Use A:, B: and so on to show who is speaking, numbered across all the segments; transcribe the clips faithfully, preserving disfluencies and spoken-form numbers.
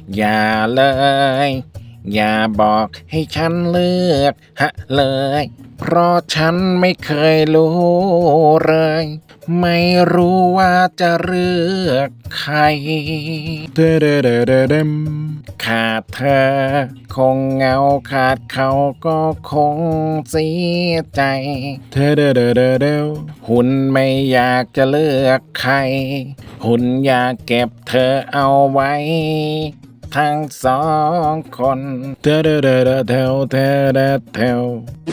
A: อย่าเลยอย่าบอกให้ฉันเลือกฮะเลยเพราะฉันไม่เคยรู้เลยไม่รู้ว่าจะเลือกใครเดเดเดเดเดมขาดเธอคงเหงาขาดเขาก็คงเสียใจเดเดเดเดเดหุ่นไม่อยากจะเลือกใครหุ่นอยากเก็บเธอเอาไว้ทั้งสองคนเดเดเดเดเทวเดเดเทว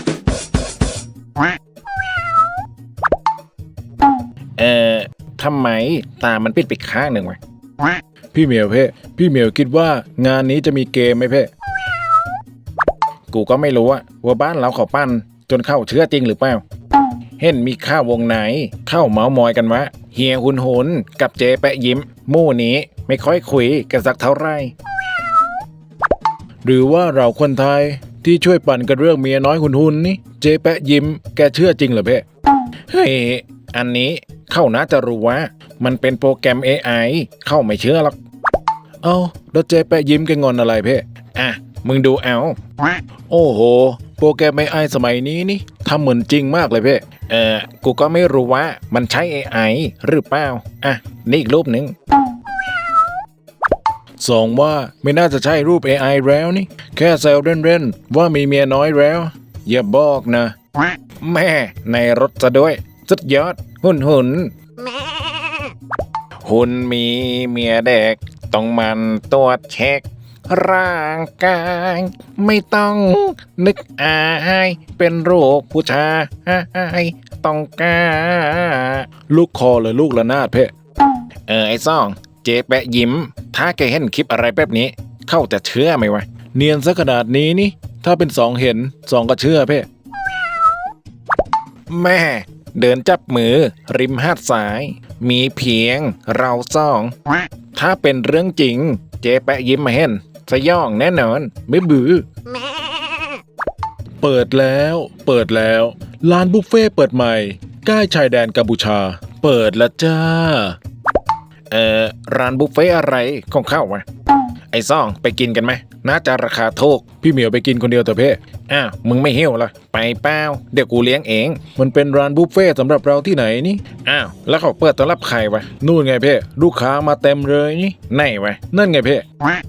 A: เอ่อทำไมตามันปิดไปข้างหนึ่งวะพี่เหมียวเพ่พี่เหมียวคิดว่างานนี้จะมีเกมไหมเพ่กูก็ไม่รู้อะว่าบ้านเราเขาปั้นจนเข้าเชื่อจริงหรือเปล่าเห็นมีข้าววงไหนเข้าเมามอยกันวะเฮียหุนหุนกับเจแปะยิ้มมู่นี้ไม่ค่อยคุยกันสักเท่าไหร่หรือว่าเราคนไทยที่ช่วยปั่นกันเรื่องเมียน้อยหุนหุนนี่เจแปะยิ้มแกเชื่อจริงเหรอเพ่เฮ้ยอันนี้เข้าน่าจะรู้ว่ามันเป็นโปรแกรม เอ ไอ เข้าไม่เชื่อหรอกเอ้าแล้วเจแปะยิ้มแกงอนอะไรเพ่อ่ะมึงดูเอาโอ้โหโปรแกรม เอ ไอ สมัยนี้นี่ทำเหมือนจริงมากเลยเพ่เออกูก็ไม่รู้ว่ามันใช้ เอ ไอ หรือเปล่าอ่ะนี่อีกรูปหนึ่งสองว่าไม่น่าจะใช่รูป เอ ไอ แล้วนี่แค่แซวเล่นๆว่ามีเมียน้อยแล้วอย่าบอกนะแม่ในรถซะด้วยสุดยอดหุ่นหุ่นหุ่นมีเมียเด็กต้องมันตรวจเช็คร่างกายไม่ต้องนึกอายเป็นโรคผู้ชายต้องการลูกคอหรือลูกระนาดเพ่เออไอ้ซ่องเจ๊แปะยิ้มถ้าแกเห็นคลิปอะไรแบบนี้เข้าจะเชื่อไหมวะเนียนซะขนาดนี้นี่ถ้าเป็นสองเห็นสองก็เชื่อเพ่แม่เดินจับมือริมหาดทรายมีเพียงเราสองถ้าเป็นเรื่องจริงเจ๊แปะยิ้มมาเห็นสยองแน่นอนไม่บือเปิดแล้วเปิดแล้วร้านบุฟเฟ่เปิดใหม่ใกล้ชายแดนกัมพูชาเปิดแล้วจ้าเอ่อร้านบุฟเฟ่อะไรของเข้าวะไอ้ซ่องไปกินกันไหมน่าจะราคาถูกพี่เหมียวไปกินคนเดียวแต่เพ่อ้าวมึงไม่หิวเหรอไปเปล่าเดี๋ยวกูเลี้ยงเองมันเป็นร้านบุฟเฟ่สำหรับเราที่ไหนนี่อ้าวแล้วเขาเปิดต้อนรับใครวะนู่นไงเพ่ลูกค้ามาเต็มเลยนี่ไหนวะนั่นไงเพ่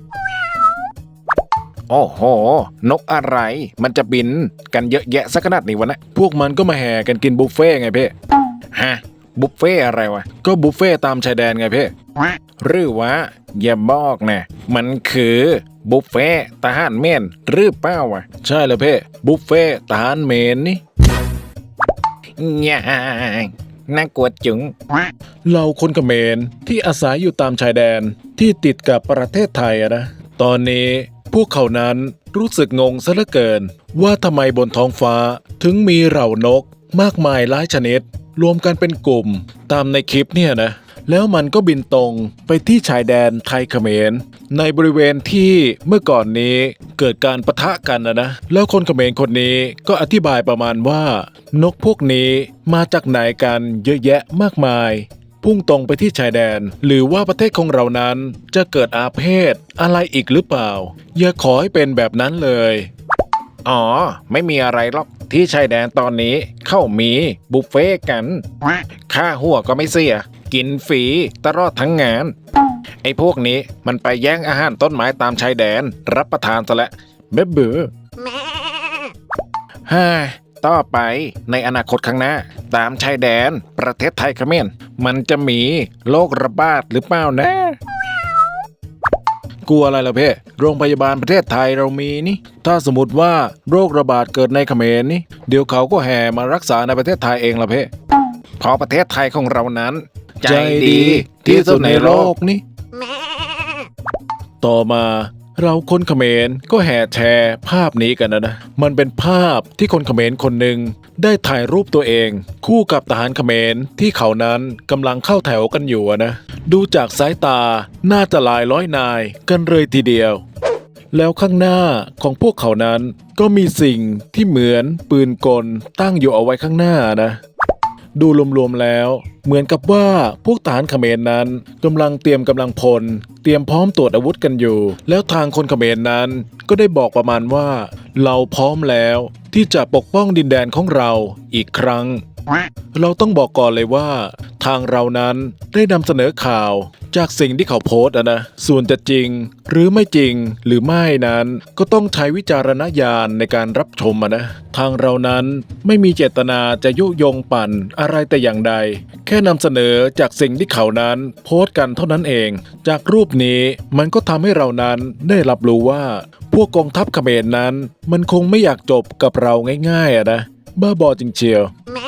A: โอ้โหนกอะไรมันจะบินกันเยอะแยะสักขนาดนี้วะนะพวกมันก็มาแห่กันกินบุฟเฟ่ไงเพ่ฮะบุฟเฟ่อะไรวะก็บุฟเฟ่ตามชายแดนไงเพ่หรือว่าอย่าบอกนะมันคือบุฟเฟ่ทหารเมนหรือเปล่าวะใช่แล้วเพ่บุฟเฟ่ทหารเมนนี่ย่างน่ากลัวจุ๋งเราคนเขมรที่อาศัยอยู่ตามชายแดนที่ติดกับประเทศไทยอะนะตอนนี้พวกเขานั้นรู้สึกงงซะเหลือเกินว่าทำไมบนท้องฟ้าถึงมีเหล่านกมากมายหลายชนิดรวมกันเป็นกลุ่มตามในคลิปเนี่ยนะแล้วมันก็บินตรงไปที่ชายแดนไทยเขมรในบริเวณที่เมื่อก่อนนี้เกิดการปะทะกันนะนะแล้วคนเขมรคนนี้ก็อธิบายประมาณว่านกพวกนี้มาจากไหนกันเยอะแยะมากมายพุ่งตรงไปที่ชายแดนหรือว่าประเทศของเรานั้นจะเกิดอาเพศอะไรอีกหรือเปล่าอย่าขอให้เป็นแบบนั้นเลยอ๋อไม่มีอะไรหรอกที่ชายแดนตอนนี้เข้ามีบุฟเฟ่กันค่าหัวก็ไม่เสียกินฟรีตลอดทั้งงานไอ้พวกนี้มันไปแย่งอาหารต้นไม้ตามชายแดนรับประทานซะแล้วเบ๊บเบ้อฮ่าต่อไปในอนาคตข้างหน้าตามชายแดนประเทศไทยเขมรมันจะมีโรคระบาดหรือเปล่านะกลัวอะไรล่ะเพ่โรงพยาบาลประเทศไทยเรามีนี่ถ้าสมมติว่าโรคระบาดเกิดในเขมรนี่เดี๋ยวเขาก็แห่มารักษาในประเทศไทยเองล่ะเพ่เพราะประเทศไทยของเรานั้นใจดีที่สุดในโลกนี่ต่อมาเราคนเขมรก็แห่แชร์ภาพนี้กันนะนะมันเป็นภาพที่คนเขมรคนหนึ่งได้ถ่ายรูปตัวเองคู่กับทหารเขมรที่เขานั้นกำลังเข้าแถวกันอยู่นะดูจากสายตาน่าจะหลายร้อยนายกันเลยทีเดียวแล้วข้างหน้าของพวกเขานั้นก็มีสิ่งที่เหมือนปืนกลตั้งอยู่เอาไว้ข้างหน้านะดูรวมๆแล้วเหมือนกับว่าพวกทหารเขมรนั้นกำลังเตรียมกำลังพลเตรียมพร้อมตรวจอาวุธกันอยู่แล้วทางคนเขมรนั้นก็ได้บอกประมาณว่าเราพร้อมแล้วที่จะปกป้องดินแดนของเราอีกครั้งเราต้องบอกก่อนเลยว่าทางเรานั้นได้นำเสนอข่าวจากสิ่งที่เขาโพสต์อะนะส่วนจะจริงหรือไม่จริงหรือไม่นั้นก็ต้องใช้วิจารณญาณในการรับชมอะนะทางเรานั้นไม่มีเจตนาจะยุยงปั่นอะไรแต่อย่างใดแค่นำเสนอจากสิ่งที่เขานั้นโพสต์กันเท่านั้นเองจากรูปนี้มันก็ทำให้เรานั้นได้รับรู้ว่าพวกกองทัพเขมรนั้นมันคงไม่อยากจบกับเราง่ายๆอะนะบ้าบอจริงเชียว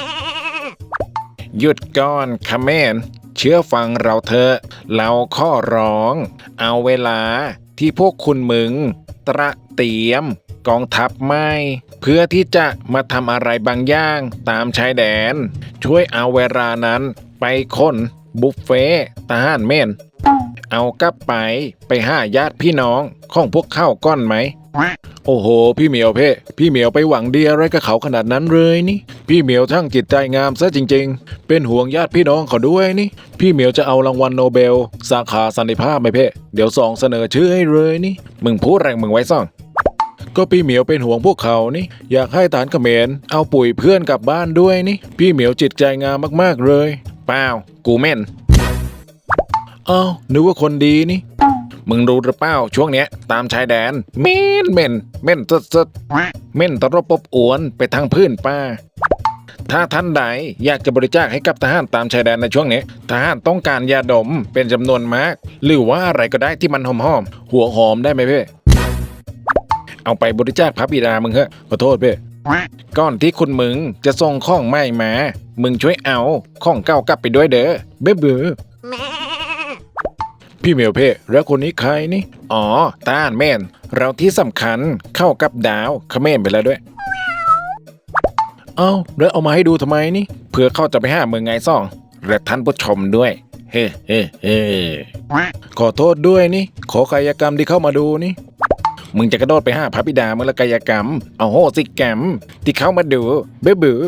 A: หยุดก่อนเขมรเชื่อฟังเราเถอะเราข้อร้องเอาเวลาที่พวกคุณมึงตระเตรียมกองทัพไม่เพื่อที่จะมาทำอะไรบางอย่างตามชายแดนช่วยเอาเวลานั้นไปค้นบุฟเฟ่ทหารเม่นเอากลับไปไปหาญาติพี่น้องของพวกเข้าก้อนไหมโอ้โหพี่เหมียวเพ่พี่เหมียวไปหวังดีอะไรกับเขาขนาดนั้นเลยนี่พี่เหมียวทั้งจิตใจงามซะจริงๆเป็นห่วงญาติพี่น้องเขาด้วยนี่พี่เหมียวจะเอารางวัลโนเบลสาขาสันติภาพไหมเพ่เดี๋ยวสองเสนอชื่อให้เลยนี่มึงพูดแรงมึงไว้ซ่องก็พี่เหมียวเป็นห่วงพวกเขานี่อยากให้ฐานเขมรเอาปุ๋ยเพื่อนกลับบ้านด้วยนี่พี่เหมียวจิตใจงามมากๆเลยเปล่ากูเม่นอ้าวนึกว่าคนดีนี่มึงรู้หรือเปล่าช่วงเนี้ยตามชายแดนเม่นเม่นเม่นสดสดเม่นตะรบปบอวนไปทางพื้นป้าถ้าท่านใดอยากจะบริจาคให้กับทหารตามชายแดนในช่วงนี้ทหารต้องการยาดมเป็นจำนวนมากหรือว่าอะไรก็ได้ที่มันหอมหอมหัวหอมได้ไหมเพ่เอาไปบริจาคพระบิดามึงเหอะขอโทษเพ่ก่อนที่คุณมึงจะส่งข้องใหม่มามึงช่วยเอาข้องเก่ากลับไปด้วยเด้อเบ้อเบ้อพี่เหมียวเพ่แล้วคนนี้ใครนี่อ๋อต้านแม่นเราที่สำคัญเข้ากับดาวเขมรไปแล้วด้วยเอ้าแล้วเอามาให้ดูทำไมนี่เพื่อเข้าจะไปหาเมืองไงซ่องและท่านผู้ชมด้วยเฮ้เฮ้เฮ้ขอโทษด้วยนี่ขอกายกรรมที่เข้ามาดูนี่มึงจะกระโดดไปหาพระบิดามึงละกายกรรมเอาโหสิกรรมที่เข้ามาดูเบ้อเบ้อ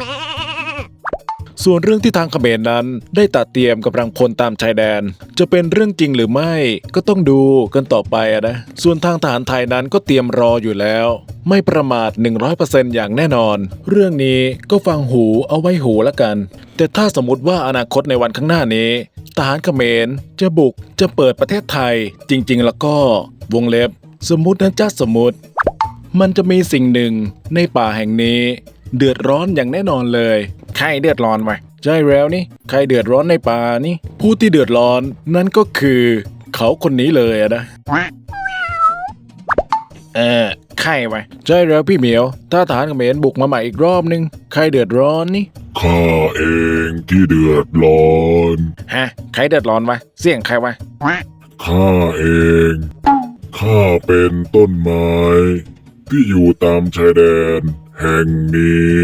A: ส่วนเรื่องที่ทางเขมรนั้นได้ตัดเตรียมกำลังพลตามชายแดนจะเป็นเรื่องจริงหรือไม่ก็ต้องดูกันต่อไปนะส่วนทางทหารไทยนั้นก็เตรียมรออยู่แล้วไม่ประมาท หนึ่งร้อยเปอร์เซ็นต์ อย่างแน่นอนเรื่องนี้ก็ฟังหูเอาไว้หูละกันแต่ถ้าสมมติว่าอนาคตในวันข้างหน้านี้ทหารเขมรจะบุกจะเปิดประเทศไทยจริงๆแล้วก็วงเล็บสมมุตินะจ๊ะสมมุติมันจะมีสิ่งหนึ่งในป่าแห่งนี้เดือดร้อนอย่างแน่นอนเลยใครเดือดร้อนวะใช่แล้วนี่ใครเดือดร้อนในป่านี่ผู้ที่เดือดร้อนนั่นก็คือเขาคนนี้เลยอะนะเออใครวะใช่แล้วพี่เหมียวถ้าทหารเขมรบุกมาใหม่อีกรอบนึงใครเดือดร้อนนี่
B: ข้าเองที่เดือดร้อน
A: ฮะใครเดือดร้อนวะเสียงใครวะ
B: ข้าเองข้าเป็นต้นไม้ที่อยู่ตามชายแดนแห่งนี้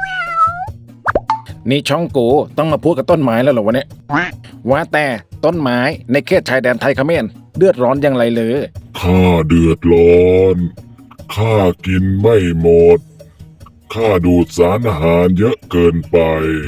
A: นี่ช่องกูต้องมาพูดกับต้นไม้แล้วเหรอวะเนี่ยว่าแต่ต้นไม้ในเขตชายแดนไทยเขมรเดือดร้อนอย่างไรเลย
B: ข้าเดือดร้อนข้ากินไม่หมดข้าดูดสารอาหารเยอะเกินไป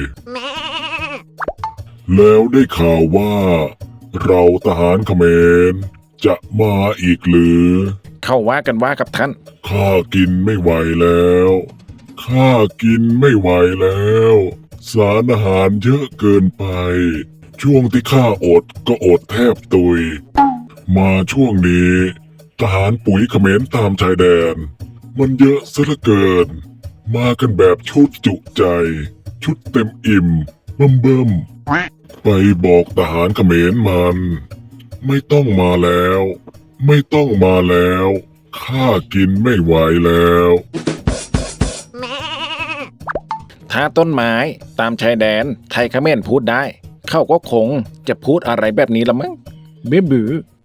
B: แล้วได้ข่าวว่าเราทหารเขมรจะมาอีกหรือ
A: เข้าว่ากันว่ากับท่าน
B: ข้ากินไม่ไหวแล้วข้ากินไม่ไหวแล้วสารอาหารเยอะเกินไปช่วงที่ข้าอดก็อดแทบตุยมาช่วงนี้ทหารปุ๋ยเขมรตามชายแดนมันเยอะซะเหลือเกินมากันแบบชุดจุใจชุดเต็มอิ่มเบิ่มเบิ่มไปบอกทหารเขมรมันไม่ต้องมาแล้วไม่ต้องมาแล้วข้ากินไม่ไหวแล้ว
A: ถ้าต้นไม้ตามชายแดนไทยเขมรพูดได้เขาก็คงจะพูดอะไรแบบนี้ละมั้งเบ้อ